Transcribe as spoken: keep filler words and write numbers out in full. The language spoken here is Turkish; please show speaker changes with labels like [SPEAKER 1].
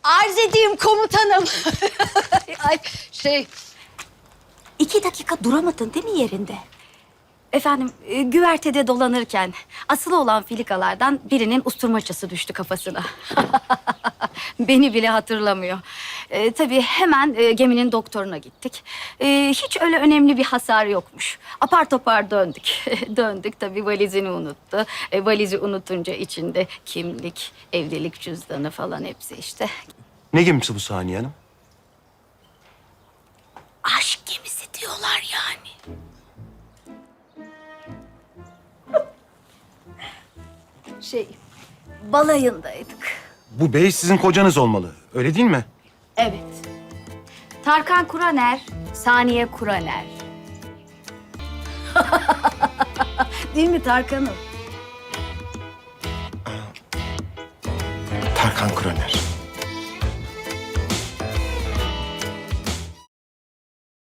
[SPEAKER 1] Arz edeyim komutanım. Ay şey...
[SPEAKER 2] İki dakika duramadın değil mi yerinde? Efendim, e, güvertede dolanırken asılı olan filikalardan birinin usturmaçası düştü kafasına. Beni bile hatırlamıyor. E, tabii hemen e, geminin doktoruna gittik. E, hiç öyle önemli bir hasar yokmuş. Apar topar döndük. Döndük tabii valizini unuttu. E, valizi unutunca içinde kimlik, evlilik cüzdanı falan hepsi işte.
[SPEAKER 3] Ne gemisi bu Saniye Hanım?
[SPEAKER 2] Aşk gemisi diyorlar yani. Şey, balayındaydık.
[SPEAKER 3] Bu bey sizin kocanız olmalı. Öyle değil mi?
[SPEAKER 2] Evet. Tarkan Kuraner, Saniye Kuraner. Değil mi Tarkan'ım?
[SPEAKER 3] Tarkan Kroner.